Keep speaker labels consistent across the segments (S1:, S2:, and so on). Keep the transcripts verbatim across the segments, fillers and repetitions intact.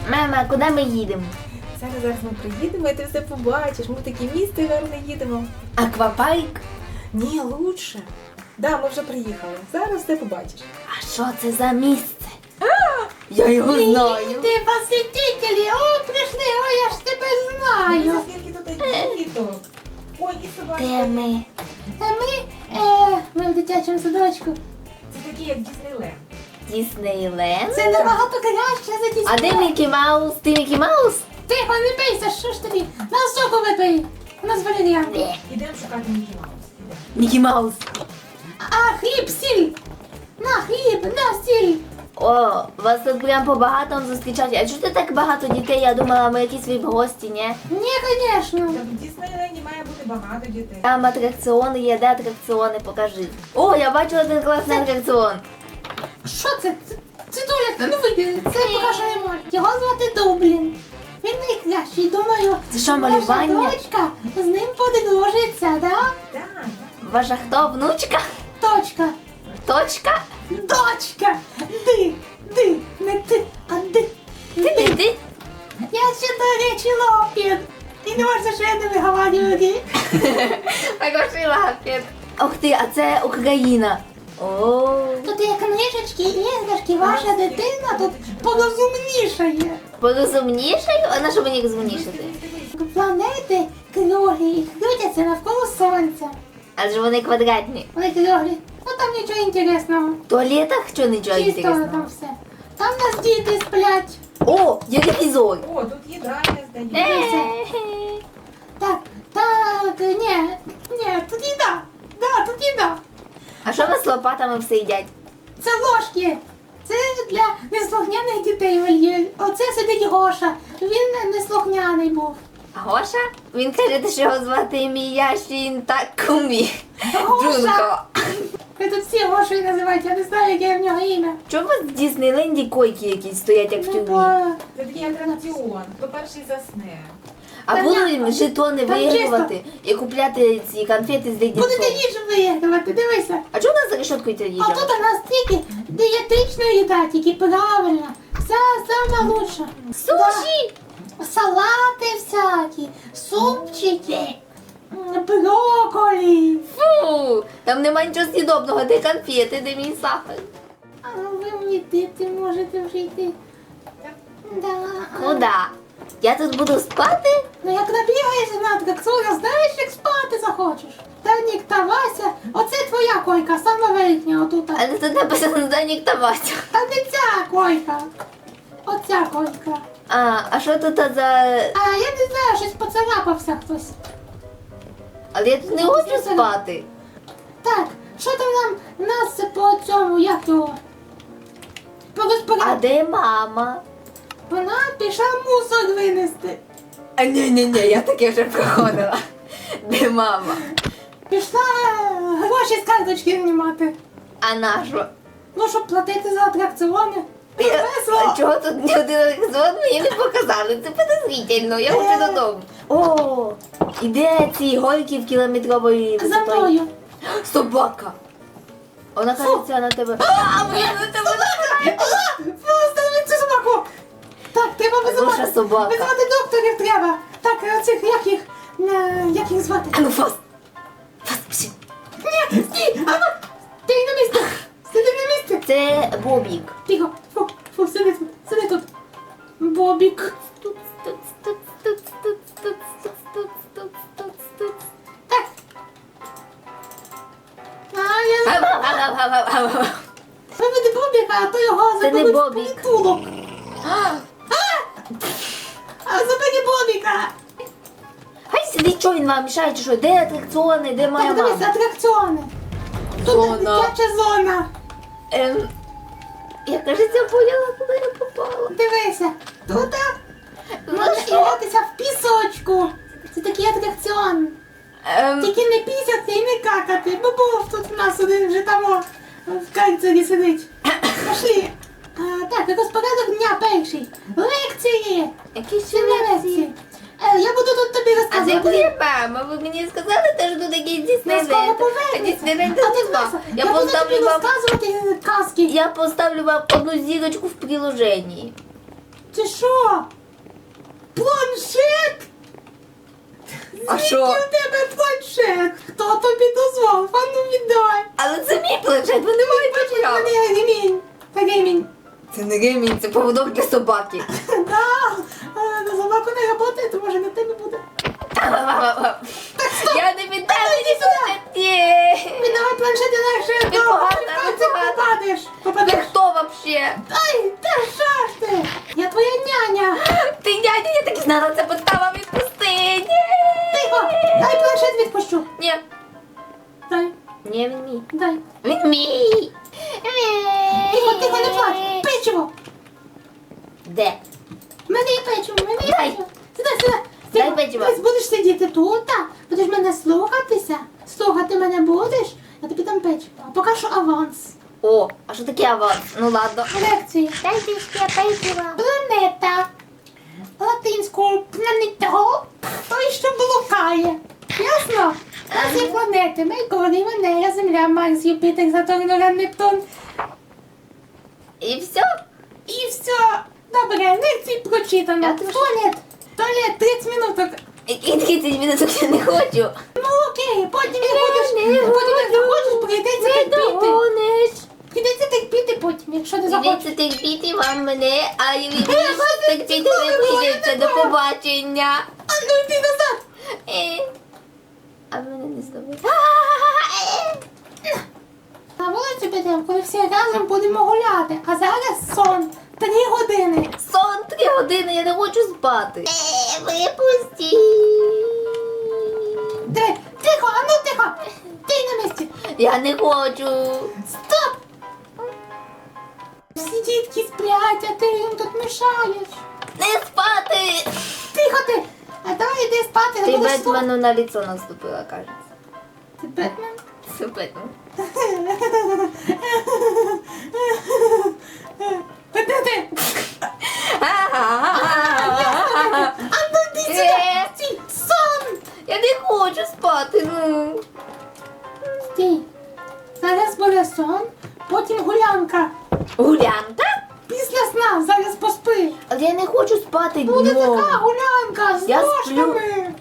S1: Мама, куди ми їдемо?
S2: Зараз, зараз ми приїдемо і ти все побачиш. Ми в таке місто гарне їдемо.
S1: Аквапарк?
S2: Ні, лучше. Да, ми вже приїхали. Зараз все побачиш.
S1: А що це за місце? Я його знаю.
S3: Ти посетителі, о, прийшли, о, я ж тебе знаю.
S2: Скільки тут діток. Ой, і собачка.
S1: Де ми?
S3: А ми, е, ми в дитячому садочку.
S2: Це такі, як Діснейленд.
S1: Діснейленд?
S3: Це набагато краще за дітей.
S1: А де Мікі Маус? Ти Мікі Маус?
S3: Тихо, не бийся, що ж тобі? На соку випий. У нас валеріан.
S2: Ідемо шукати Мікі Маус. Ідемо.
S1: Мікі Маус.
S3: А хліб, сіль. На хліб, на сіль.
S1: О, вас тут прям по-багатому зустрічають. А чого ти так багато дітей? Я думала, ми якісь віп гості, ні?
S3: Ні, звісно.
S2: Та в Діснейленді має бути багато дітей.
S1: Там атракціони є, де атракціони, покажи. О, я бачила один класний атракціон.
S3: Що це? Це, це Доля, ну вийди, це покаже не може. Його звати Дублін. Він найкращий, думаю.
S1: Це що, малювання?
S3: Наша дочка з ним подружиться, да?
S2: Так, так.
S1: Ваша хто, внучка?
S3: Точка.
S1: Точка?
S3: Дочка! Ди, ди, не ти, а ди.
S1: Ти, ти, ти?
S3: Я ще, до речі, лопін. І не можна, що я не виговорюю.
S1: Покажи лапет. Ух ти, а це Україна. О,
S3: Тут є книжечки, іграшки, ваша дитина тут порозумнішає.
S1: порозумнішаю? А на що мені розумнішати?
S3: Планети круглі і крутяться навколо сонця.
S1: Адже вони квадратні.
S3: Вони круглі. Ну там нічого інтересного.
S1: В туалетах що нічого
S3: Чисто там
S1: інтересного?
S3: все. Там нас діти сплять.
S1: О, є телевізор.
S2: О, тут їдальня
S1: Е.
S2: здається.
S1: Е-е-е.
S3: Так, так, ні, ні, тут їда. Да, тут їда.
S1: А що ви з лопатами все їдять?
S3: Це ложки. Це для неслухняних дітей, Валєр. Оце сидить Гоша. Він неслухняний був.
S1: А Гоша? Він каже, що його звати Міяшін Такумі.
S3: Гоша!
S1: Джунко.
S3: Ви тут всі Гошою називають, я не знаю, яке в нього ім'я.
S1: Чому в Діснейленді койки якісь стоять, як в
S3: Ну,
S1: тюрмі?
S3: бо
S2: Це такий атракціон. Хто перший засне.
S1: А
S3: Та
S1: будуть
S3: ні,
S1: жетони
S3: там
S1: виігрувати і купляти ці конфети з
S3: Будете
S1: леденцом.
S3: їжу виігрувати, дивися.
S1: А чого у нас за решеткою ця
S3: А
S1: їжа?
S3: тут у нас тільки дієтична їда, тільки правильна. Вся сама лучша.
S1: Суші!
S3: Да. Салати всякі, супчики, м, брокколі.
S1: Фу! Там нема нічого з'їдобного, де конфети, де мій сахар.
S3: А ви мені діти можете вже йти. Да.
S1: Куда? Я тут буду спати?
S3: Ну як набігаєшся на атракціонах, знаєш, як спати захочеш. Данік та Вася, оце твоя койка, сама верхня отута.
S1: Але тут написано Данік та Вася.
S3: Та не ця койка. Оця койка.
S1: А, а що тут за...
S3: А я не знаю, щось поцарапався хтось.
S1: Але я тут не хочу спати.
S3: Так, що там нам нас по цьому, як його? По
S1: А
S3: розпоряд...
S1: де мама?
S3: Вона пішла мусор винести.
S1: А ні-ні-ні, я таке вже проходила. Де мама?
S3: Пішла е, гроші з карточки знімати.
S1: А на що?
S3: Ну, щоб платити за атракціони. Ну,
S1: Я...
S3: весело.
S1: А чого тут ні один атракціон мені не показали? Це подозрительно, я
S3: Е.
S1: хочу додому. О, і де ці гойки в кілометрової
S3: За
S1: висотою?
S3: мною.
S1: Собака. Вона кажеться на тебе. А, моя на тебе награє.
S3: Остановіть цю собаку! Так, треба
S1: Хороша
S3: визивати.
S1: собака.
S3: Визивати докторів треба. Так, оцих, як їх, е, як їх звати?
S1: А ну фаст. Фаст, пішли.
S3: Ні, стій, а ну, ти на місці. Сиди на місці.
S1: Це Бобік.
S3: Тихо, фу, фу, сиди тут, сиди тут. Бобік.
S1: Туц, туц, туц, туц, туц, туц, туц, туц, туц, туц.
S3: Так. А, я...
S1: Гав-гав-гав-гав-гав-гав.
S3: Виведи Бобіка, а то його
S1: Це не
S3: заберуть в
S1: Бобік.
S3: притулок. А забери Бобіка.
S1: Хай сидить, що він вам мішає, чи що? Де атракціони, де моя
S3: Так, дивись,
S1: мама?
S3: атракціони. Тут
S1: Зона.
S3: дитяча зона.
S1: Ем, я, кажеться, поняла, куди я попала.
S3: Дивися, тут
S1: Ну
S3: можна
S1: що?
S3: гратися в пісочку. Це такий атракціон.
S1: Ем,
S3: Тільки не пісяти і не какати, бо був тут у нас один вже там о, в карцері сидить. Пошли. А, так, розпорядок дня перший. Лекції.
S1: які ще
S3: Чи не
S1: лекції?
S3: лекції? Е, я буду тут тобі
S1: А де
S3: розказувати.
S1: моя мама? Ви мені сказали, теж тут якийсь Діснейленд.
S3: скоро
S1: А
S3: повернеться.
S1: Діснейленд
S3: А ти
S1: тут нема.
S3: Вася,
S1: Я
S3: я буду тобі
S1: поставлю вам...
S3: розказувати казки.
S1: Я поставлю вам одну зірочку в приложенні.
S3: Це що? Планшет?
S1: А
S3: Звідки
S1: що?
S3: у тебе планшет? Хто тобі дозволив? А ну віддай.
S1: Але це мій планшет, ви не маєте права.
S3: Мене ремінь. Ремінь.
S1: Це не ремінь, це поводок для собаки.
S3: Да. А, на собаку не працює, то може на тебе буде.
S1: Я не віддам мені планшет. Ні.
S3: Віддавай планшет, інакше
S1: Ти погана,
S3: ти
S1: погана.
S3: попадеш.
S1: Ти
S3: Попадеш.
S1: хто вообще?
S3: Ай, та що ж ти? Я твоя няня.
S1: Ти дядя, я так і знала, це подстава, відпусти. Ні.
S3: Тихо, дай планшет відпущу.
S1: Ні.
S3: Дай,
S1: Ні, він мій.
S3: дай.
S1: Він мій.
S3: Тихо, тихо, не плач. Печиво.
S1: Де?
S3: В мене є печиво, в мене є
S1: Дай.
S3: печиво. Сюди, сюди.
S1: Дай
S3: Тихо.
S1: печиво.
S3: Ось будеш сидіти тут, так? Будеш мене слухатися. Слухати мене будеш, я тобі дам печиво. А поки що аванс.
S1: О, а що таке аванс? Ну ладно.
S3: Лекції.
S1: Дайте ще печиво.
S3: Планета. Латинською планета. Той, що блукає. Ясно? У нас є планети. Меркурій, Венера, Земля, Марс, Юпітер, Сатурн, Уран, Нептун.
S1: І все?
S3: І все. Добре, лекції прочитано.
S1: Я теж.
S3: Туалет. Туалет, тридцять минуток.
S1: Які тридцять минут я не хочу.
S3: Ну окей, потім не будеш. Потім як захочеш, прийдеться терпіти.
S1: догониш.
S3: Прийдеться терпіти потім, якщо не захочеш.
S1: Дивіться, терпіти вам мене, а я відбуду терпіти не прийдеться. До побачення.
S3: А ну йди назад.
S1: Е. А ви мене не зловили.
S3: На вулицю підемо, коли всі разом будемо гуляти. А зараз сон. Три години.
S1: Сон три години, я не хочу спати. Е, випусти.
S3: Три. Тихо, а ну тихо. Ти на місці.
S1: Я не хочу.
S3: Стоп. Всі дітки сплять, а ти їм тут мішаєш.
S1: Не спати.
S3: Тихо ти. А давай йди спати,
S1: Ти
S3: не будеш слухати.
S1: Бетмену на лицо наступила, кажеться.
S3: Ти Бетмен?
S1: Це Бетмен.
S3: Де ти?
S1: А
S3: А ну йди сюди.
S1: Е.
S3: Стій. Сон.
S1: Я не хочу спати, ну.
S3: Стій. Зараз буде сон, потім гулянка.
S1: Гулянка?
S3: Після сна зараз поспи.
S1: Але я не хочу спати
S3: Буде
S1: днем.
S3: така гулянка з
S1: Я
S3: ложками.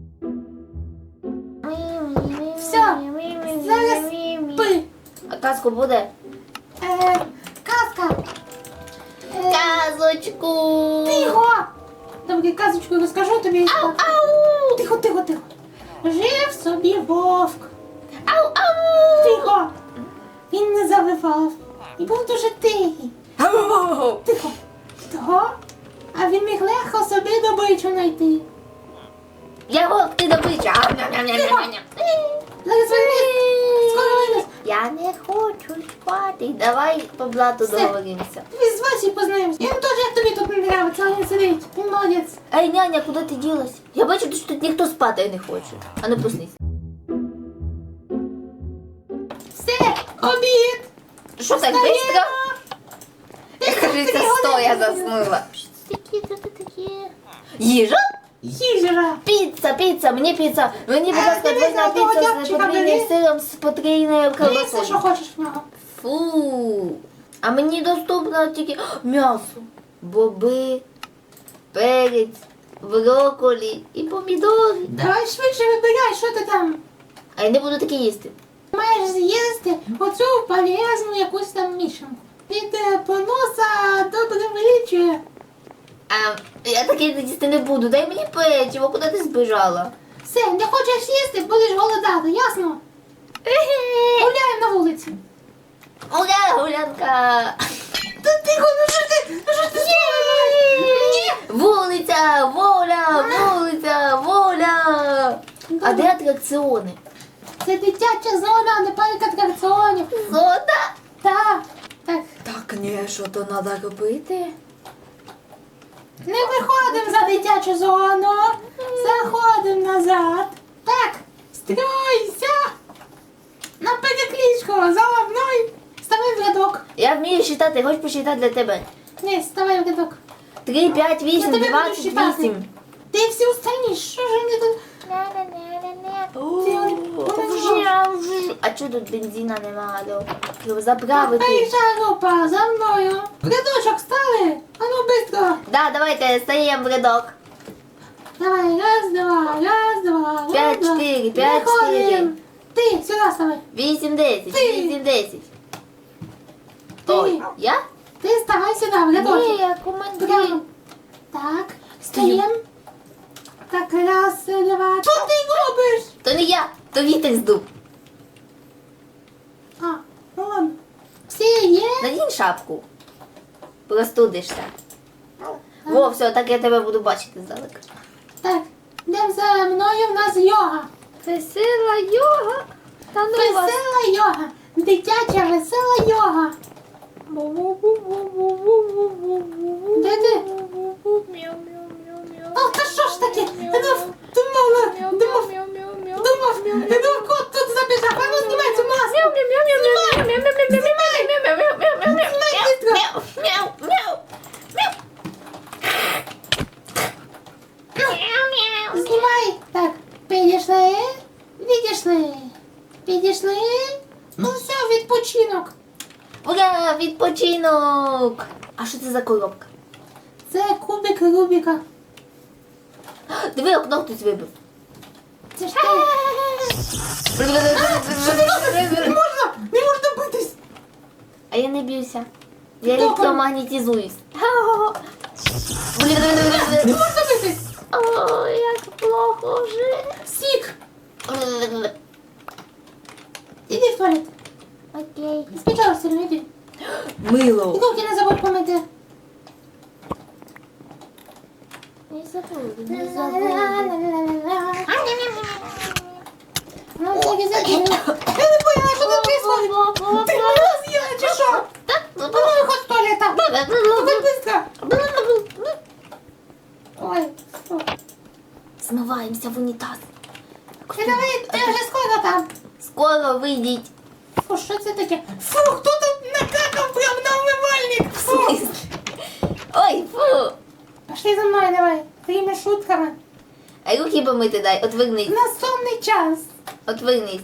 S3: Все, зараз спи.
S1: А казку буде?
S3: Е, казка. Е,
S1: Казочку.
S3: Тихо. Добре, казочку розкажу тобі.
S1: Ау, ау.
S3: Тихо, тихо, тихо. Жив собі вовк.
S1: Ау, ау.
S3: Тихо. Він не завивав. І був дуже тихий.
S1: Ау.
S3: Тихо. Того. А він міг легко собі добичу знайти.
S1: Я вовк, ти добича. Ау, ням, ням, ням, ням, ням.
S3: Зараз винес. Скоро винес.
S1: Я не хочу спати. Давай по блату
S3: Все.
S1: договоримося.
S3: Тобі з Васі познаємося. Він теж як тобі тут не нравиться, але він сидить. Він молодець.
S1: Ей, няня, куди ти ділась? Я бачу, що тут ніхто спати не хоче. А ну проснись.
S3: Все, обід.
S1: Що так
S3: Встаємо.
S1: швидко? Я кажеться,
S3: Три
S1: стоя
S3: години.
S1: заснула.
S3: Що це таке, що це таке?
S1: Їжа?
S3: Їжа.
S1: Піца, піца, мені піца. Мені, будь
S3: Е,
S1: ласка,
S3: дивися,
S1: двойна
S3: одного
S1: піца з
S3: дябчика
S1: потрійним
S3: бери.
S1: сиром, з потрійною
S3: Бери все, що
S1: колбасою.
S3: хочеш в нього.
S1: Фу. А мені доступно тільки О, м'ясо, боби, перець, брокколі і помідори.
S3: Давай швидше вибирай, що ти там.
S1: А я не буду таке їсти.
S3: Маєш з'їсти оцю полезну якусь там мішанку. Від е, поноса добре вилічує.
S1: А я таке їсти не буду. Дай мені печиво, куди ти збіжала?
S3: Все, не хочеш їсти, будеш голодати, ясно? Гуляємо на вулиці.
S1: Гуля, гулянка.
S3: Та тихо, ну що ти, ну що ти Ні!
S1: Вулиця, воля, вулиця, воля. А де атракціони?
S3: Це дитяча зона, не парк атракціонів.
S1: Зона?
S3: Так, так.
S1: Так, ні, що то треба робити?
S3: Не виходимо за дитячу зону. Заходимо назад. Так, стройся. На перекличку, за мною. Ставай в рядок.
S1: Я вмію считати, хочеш посчитати для тебе?
S3: Ні, ставай в рядок.
S1: Три, п'ять,
S3: Я
S1: вісім,
S3: тебе буду
S1: двадцять
S3: считати.
S1: вісім.
S3: Ти всі останні, що ж вони тут?
S1: А чого тут бензина немає? Треба заправити.
S3: Перша група, за мною. В рядочок стали. А ну, бистро.
S1: Да, давайте стаємо в рядок.
S3: Давай, раз, два, раз, два, раз,
S1: П'ять,
S3: два.
S1: чотири, п'ять,
S3: Виходимо.
S1: чотири.
S3: Ти, сюди ставай.
S1: Вісім, десять,
S3: Ти.
S1: вісім, десять.
S3: Ти.
S1: Ой, я?
S3: Ти ставай сюди, в рядочок.
S1: Ні, я командир.
S3: Прямо. Так, стоїм. Так, раз, два. Що ти робиш?
S1: То не я, то вітер здув.
S3: А, ну ладно. Всі є?
S1: Надінь шапку. Простудишся. Во, все, так я тебе буду бачити здалека.
S3: Так, йдемо за мною, в нас йога.
S1: Весела йога. Та ну вас.
S3: Весела йога. Дитяча весела йога. Де ти? О, та що ж таке? Я думав, думала, думав, думав, я думав, кот тут забіжав. А ну знімай цю маску. Знімай. Так, підійшли, відійшли, підійшли. Ну все, відпочинок.
S1: Ура, відпочинок! А що це за коробка?
S3: Це кубик Рубіка.
S1: Диви, окно хтось вибив.
S3: Це ж ти. Не можна, не можна битись.
S1: А я не б'юся. Я
S3: Добре.
S1: електромагнетизуюсь.
S3: Не можна битись.
S1: О, як плохо вже.
S3: Сік. Іди в туалет.
S1: Окей.
S3: Спочатку все одно йди. І
S1: Мило.
S3: руки не забудь помити.
S1: Не забуду, не забуду.
S3: Ну, так і забуду. Я не поняла, що тут происходит. Ти мене з'їла чи що? Ну, виходь з туалета. Виходь быстро. Ой, що?
S1: Смиваємося в унітаз.
S3: Ти давай, ти вже скоро там.
S1: Скоро вийдіть.
S3: Фу, що це таке? Фу, хто тут накакав прям на умивальник?
S1: В
S3: Фу.
S1: смислі? Ой, фу.
S3: Пошли за мною, давай. Твоїми шутками.
S1: А руки помити дай, отвернись.
S3: На сонний час.
S1: Отвернись.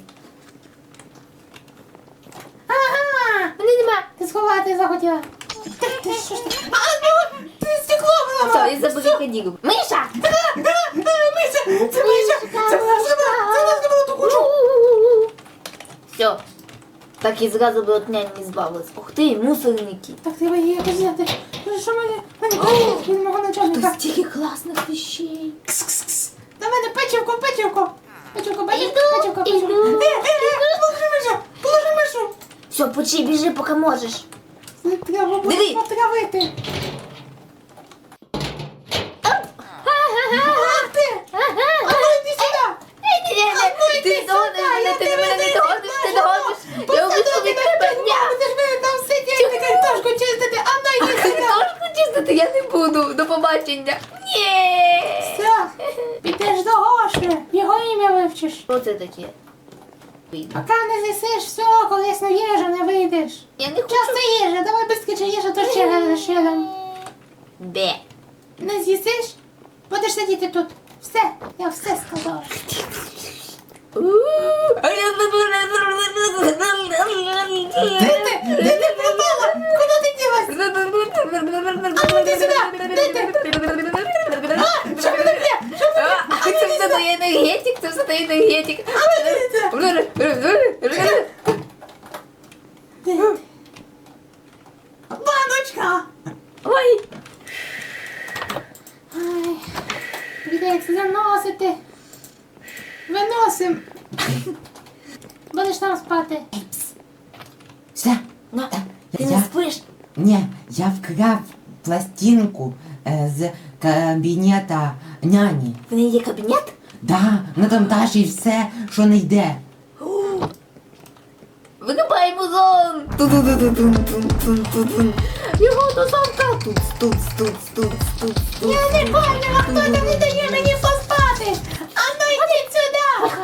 S3: Ага.
S1: Мене нема.
S3: Ти сховати захотіла. Ти, ти що ж ти? А, ну, ти стекло
S1: Все,
S3: виламала.
S1: я заберу кадіру. Миша!
S3: Мися, це Мися. Це вона зробила, це вона зробила ту кучу.
S1: Все. Так і зразу би от нянь не збавилась. Ух ти, мусорники.
S3: Так, треба її якось взяти. Ну, що мене? Мене крадуть від мого начальника.
S1: Тут стільки класних вещей.
S3: Кс-кс-кс. На мене печивко, печивко. Печивко, печивко,
S1: Іду,
S3: печивко, печивко.
S1: іду.
S3: Де, де, де? Положи мишу, положи мишу.
S1: Все, почи, біжи, поки можеш.
S3: Це треба буде
S1: Диви.
S3: потравити. Ах ти! А ну йди сюди!
S1: Ти догониш мене, ти мене не догониш, ти догониш. Я убіжу від тебе. Ня.
S3: Будеш мене там сидіти, картошку чистити, а ну йди сюди!
S1: Картошку чистити я не буду. До побачення. Ні.
S3: Все, підеш до Гоші, його ім'я вивчиш.
S1: Що це таке? Вийду.
S3: Поки не з'їсиш, все, корисну їжу не вийдеш.
S1: Я не хочу.
S3: Час це їжа, давай безкіче їжа, то ще раз, ще раз.
S1: Де?
S3: Не з'їсиш, будеш сидіти тут. Все, я все сказала. Де ти? Де ти пропала? Куди ти ділась? А ну йди сюди, де ти? А, що ви таке? Що ви таке? А
S1: Це
S3: ну
S1: все
S3: йди
S1: той енергетик, це все той енергетик.
S3: сюди. Баночка!
S1: Ой,
S3: Ай, прийдеться заносити. Виносим. Будеш там спати.
S4: Все.
S1: на,
S4: Е,
S1: ти
S4: я-
S1: не спиш?
S4: Ні, я вкрав пластинку е, з кабінета няні.
S1: В неї є кабінет?
S4: Да, на там теж все, що не йде.
S1: Вирубаємо зон! Ту-ду-ду-ду-дун-дун-дун-дун. Його до замка! Тут, тут, тут, тут, тут, тут.
S3: Я не поняла, хто там не дає мені поспати. А ну йди сюди.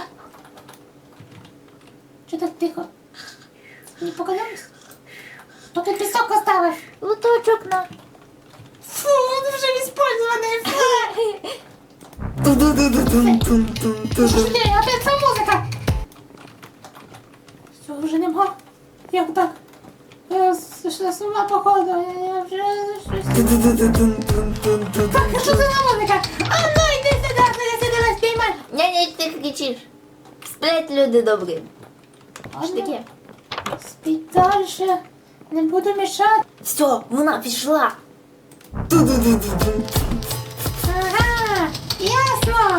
S3: Що так тихо? Не показалось? Хто тут пісок оставив?
S1: Лоточок на.
S3: Фу, він вже іспользований. Фу.
S1: Ту-ду-ду-ду-дун-дун-дун-дун.
S3: Що ж ти, опять ця музика? Все, вже нема. Як так? Я с- с- з ума походу, я я вже щось...
S1: Ту-ду-ду-ду-дун-дун-дун.
S3: Так, а що це за музика? А ну йди сюди, не сюди нас піймай.
S1: Няня, ти кричиш. Сплять люди добрі. Що таке?
S3: Спіть дальше. Не буду мішати.
S1: Все, вона пішла.
S3: Ага, ясно.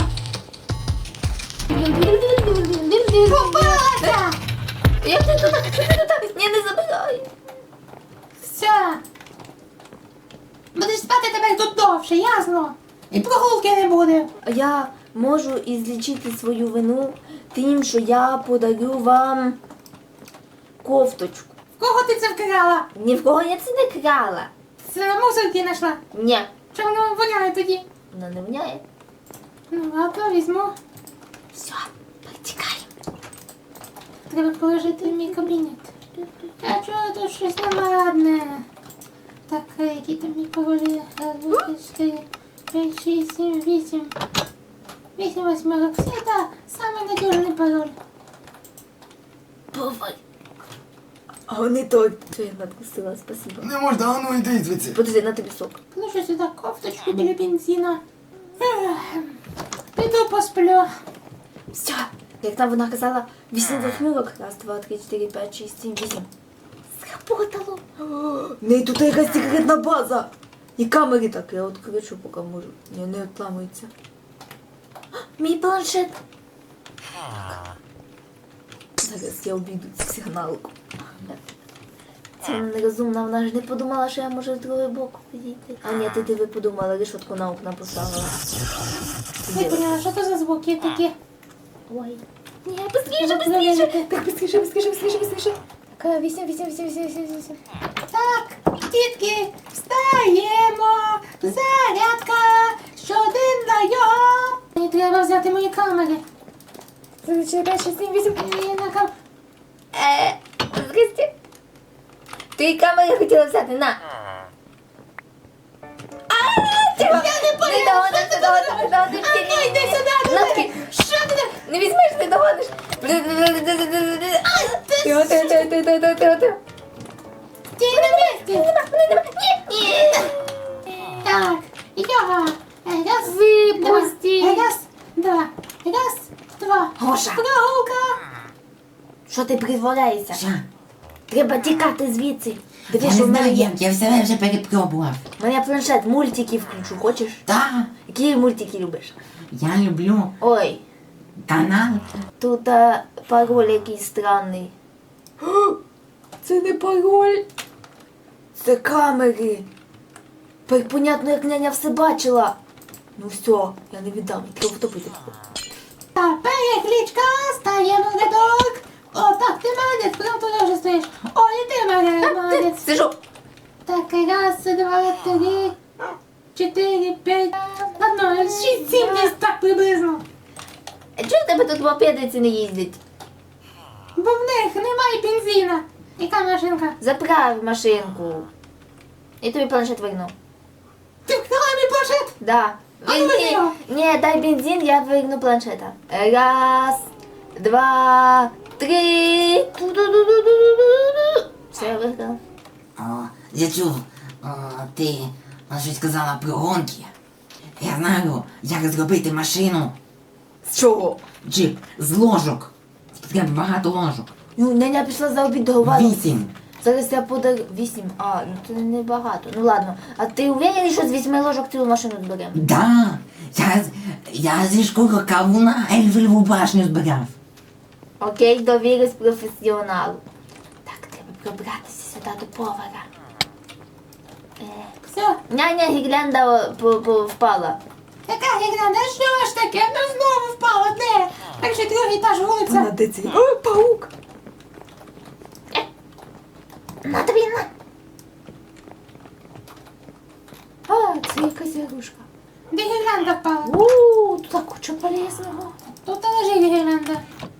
S3: Попалася.
S1: Як ти тут? Як ти тут? Ні, не забирай.
S3: Все. Будеш спати тепер тут довше, ясно? І прогулки не буде.
S1: А я можу ізлічити свою вину тим, що я подарю вам кофточку.
S3: В кого ти це вкрала?
S1: Ні в кого я це не крала.
S3: Це мусорки знайшла.
S1: Ні,
S3: Чому воно воняє тоді?
S1: вона не вняє.
S3: Ну, ладно, візьму.
S1: Все, потікай.
S3: Треба положити в мій кабінет. А чого тут щось неладне? Так, які там мій паролі? Раз, два, три, чотири, п'ять, шість, сім, вісім. Вісім восьмерок. Все, так, самий надіжний пароль.
S1: Бувай. А не той. Що я надкусила, спасибо.
S5: Не можна, а ну йди звідси.
S1: Подожди, на тобі сок.
S3: Положу сюди кофточку біля бензина. Ех, Піду посплю.
S1: Все. Як там вона казала, вісім восьмірок. Раз, два, три, чотири, п'ять, шість, сім, вісім. Сработало. В неї тут якась секретна база. І камери так, я от кричу, поки можу. Ні, не отламується. Мій планшет. Зараз я обійду цю сигналку. Це вона нерозумна, вона ж не подумала, що я можу з другого боку підійти. А ні, ти диви подумала, решетку на окна поставила.
S3: Не поняла, що це за звуки такі?
S1: Ой. Ні, быстріше,
S3: Треба
S1: быстріше.
S3: перевірити.
S1: Так, быстріше, быстріше, быстріше, быстріше. Так, вісім, вісім, вісім, вісім, вісім, вісім.
S3: Так, дітки, встаємо! Зарядка! Щоденна йога! Мені треба взяти мої камери.
S1: Чотири, п'ять, шість, сім, вісім.
S3: І на кам...
S1: Е, здрасте. Ти камери хотіла взяти, на. А, ти
S3: Я не поняла,
S1: не догониш,
S3: що
S1: не
S3: ти
S1: догониш, не догониш.
S3: А ну, йди сюди,
S1: На,
S3: ти-
S1: таки.
S3: Що ти?
S1: Не візьмеш, не догониш. Тихо, тихо, тихо, тихо, тихо, тихо, тихо.
S3: Стій на місці!
S1: Нема, мене нема. Ні, ні.
S3: Так, йога! Раз,
S1: Випусти.
S3: два, раз, два, раз, два.
S1: Гоша.
S3: Прогулка!
S1: Що ти притворяєшся?
S4: Що?
S1: Треба тікати звідси.
S4: Я
S1: Диви,
S4: не
S1: що в мене
S4: знаю
S1: є.
S4: як, я все вже перепробував.
S1: У мене планшет, мультики включу, хочеш?
S4: Так,
S1: Які мультики любиш?
S4: я люблю
S1: Ой,
S4: канал.
S1: тут а, пароль якийсь странний. Це не пароль. Це камери. Тепер понятно, як няня все бачила. Ну все, я не віддам, треба втопити.
S3: Так, перекличка, стаємо в рядок. О, так, ти молодець, прям туди вже стоїш. О, і ти мене молодець.
S1: Сижу.
S3: Так, раз, два, три, чотири, п'ять, ладно, шість, сім, десь так приблизно.
S1: А чого в тебе тут мопедиці не їздять?
S3: Бо в них немає бензина. Яка машинка?
S1: Заправ машинку. І тобі планшет верну.
S3: Ти вкрала мій планшет?
S1: Да.
S3: А ну,
S1: Ні,
S3: його.
S1: ні, дай бензин, я верну планшета. Раз, два, три. Ту-ду-ду-ду-ду-ду-ду. Все, я виграла.
S4: О, я чув, о, ти о, щось казала про гонки. Я знаю, як зробити машину.
S1: З чого?
S4: Джип з ложок. Треба багато ложок.
S1: Ну, няня пішла за обід до вас.
S4: Вісім.
S1: Зараз я подарю. Вісім. А, ну це не багато. Ну ладно. А ти уверений, що з вісьми ложок цілу машину зберемо?
S4: Да, я, з- я зі школи кавуна Ельфелеву башню збирав.
S1: Окей, довірюсь професіоналу. Так, треба пробратися сюди до повара. Е,
S3: Все.
S1: няня гірлянда по- по- впала.
S3: Яка гігранда? Що ж таке? Ну знову впала, де? Так же другий етаж вулиця.
S1: де цей? О, паук! На тобі, на! А, це якась ігрушка.
S3: Де гірлянда впала?
S1: Ууу, тут так куча полезного.
S3: Тут лежить гірлянда.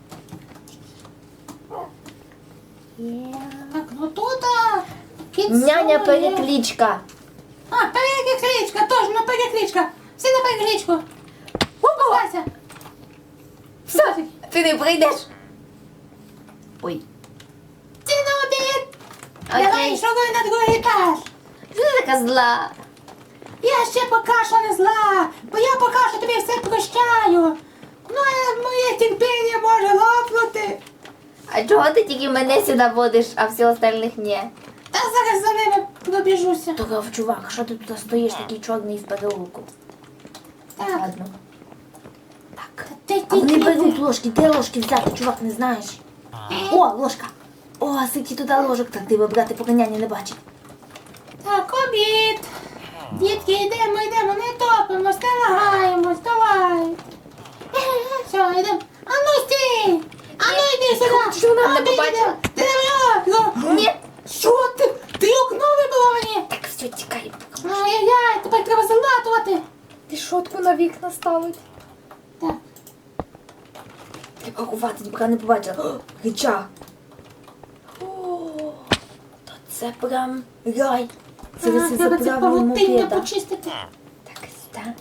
S1: Є.
S3: Так, ну тут а, кіт
S1: Няня
S3: сумує.
S1: перекличка.
S3: А, перекличка, точно перекличка. Всі на перекличку. Опа, Вася.
S1: Все, ти не прийдеш. Ой.
S3: Ти на обід.
S1: Окей.
S3: Давай, шуруй на другий етаж.
S1: Що ти така зла?
S3: Я ще поки що не зла, бо я поки що тобі все прощаю. Ну, а моє терпіння може лопнути.
S1: А чого ти тільки мене сюди водиш, а всіх остальних ні?
S3: Та зараз за ними пробіжуся.
S1: Токов, чувак, що ти тут стоїш такий чорний з переулку?
S3: Так,
S1: Ладно. Так.
S3: ти
S1: А вони
S3: тільки...
S1: беруть ложки, де ложки взяти, чувак, не знаєш? О, ложка! О, скільки туди ложок, так диво, брати, поки няня не бачить.
S3: Так, обід. Дітки, йдемо, йдемо, не топимось, не лагаємось, давай. Все, йдемо. А ну стій! А ну йди сюди!
S1: Що вона
S3: А,
S1: не
S3: ти
S1: побачила?
S3: йди. Ти не вела?
S1: Ні.
S3: Що ти? Ти окно вибила мені?
S1: Так, все, тікай.
S3: Ай-яй-яй, тепер треба залатувати.
S2: Ти шотку на вікна ставить.
S3: Так,
S1: Треба ховати, поки не побачила. О, речах. О, то це прям рай. Зараз
S3: ага,
S1: я
S3: треба це
S1: заправлю
S3: павутиння
S1: мопеда.
S3: почистити.
S1: Так, сюди.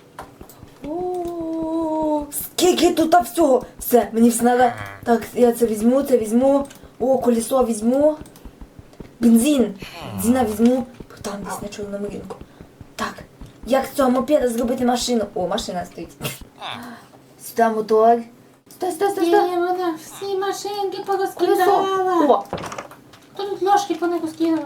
S1: О, скільки тут всього. Все, мені все треба. Так, я це візьму, це візьму. О, колесо візьму. Бензин. Бензина візьму. Там десь на чорному ринку. Так, як з цього мопеда зробити машину? О, машина стоїть. Сюди мотор. Сюди, сюди, сюди,
S3: Ні,
S1: сюди.
S3: вона всі машинки
S1: Колесо.
S3: порозкидала.
S1: О,
S3: Хто тут ложки по них скидав?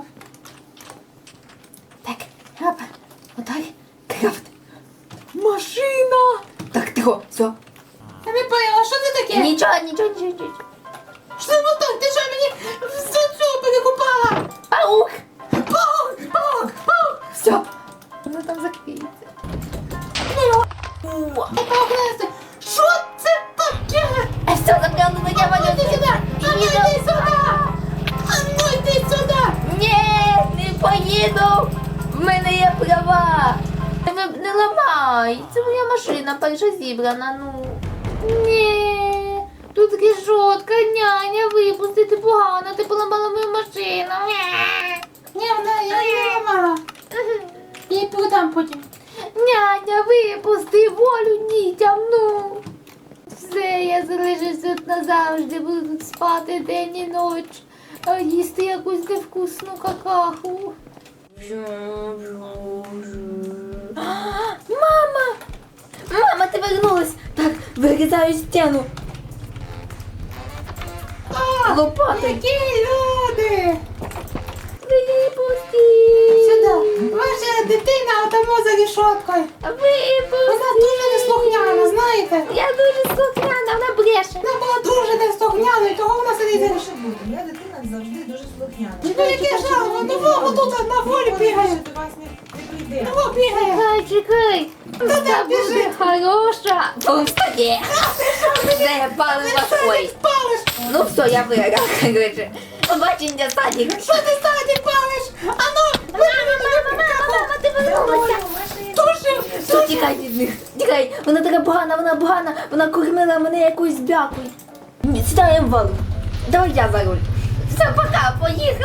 S1: так, хап. Отак. Крафт. Машина. Так, тихо, все.
S3: Я не поняла, що це таке?
S1: Нічого, нічого, нічого, нічого.
S3: Що це мотор? Ти що мені цю перекупала?
S1: Паук.
S3: Паук, паук, паук.
S1: Все. Воно там закриється. О,
S3: Ти паук, що це таке?
S1: а все, запрягну на я
S3: А ну йди
S1: валю.
S3: сюди! А ну йди сюди! А ну йди сюди!
S1: Ні, не поїду. В мене є права. Не, не ламай. Це моя машина, перша зібрана, ну. Ні. Тут решетка, няня, випустити погано, ти поламала мою машину.
S3: Ні, вона я її ламала. Я її продам потім.
S1: Няня, випусти волю дітям, ну. Все, я залишуся тут назавжди, буду тут спати день і ніч, а їсти якусь невкусну какаху. Мама! Мама, ти вернулась! Так, вирізаю стіну.
S3: А,
S1: Лопатою.
S3: які люди!
S1: Випусти!
S3: Сюди! Ваша дитина отамо за рішоткою.
S1: Випусти!
S3: Вона дуже неслухняна, знаєте?
S1: Я дуже слухняна, вона бреше.
S3: Вона була дуже неслухняною, того вона сидить за
S2: Може
S3: рішоткою.
S2: бути, моя дитина завжди дуже слухняна.
S3: Ну яке жало, ну вова тут на волі бігає.
S2: Що до вас не, не прийде.
S3: Ну бігає.
S1: Чекай, чекай. Вона
S3: де
S1: буде
S3: біжить?
S1: хороша. Повстає. Все, палива ой.
S3: Палиш!
S1: Ну все, я виграла, короче. Побачення, Садик.
S3: Що ти саді палиш? А ну,
S1: Мама, мама, мама, мама, ти вернулася.
S3: тушив!
S1: Все, тікай від них. Тікай. Вона така погана, вона погана. Вона кормила мене якоюсь бякою. Сідаємо в валу. Давай я за руль. Все, пока, поїхали.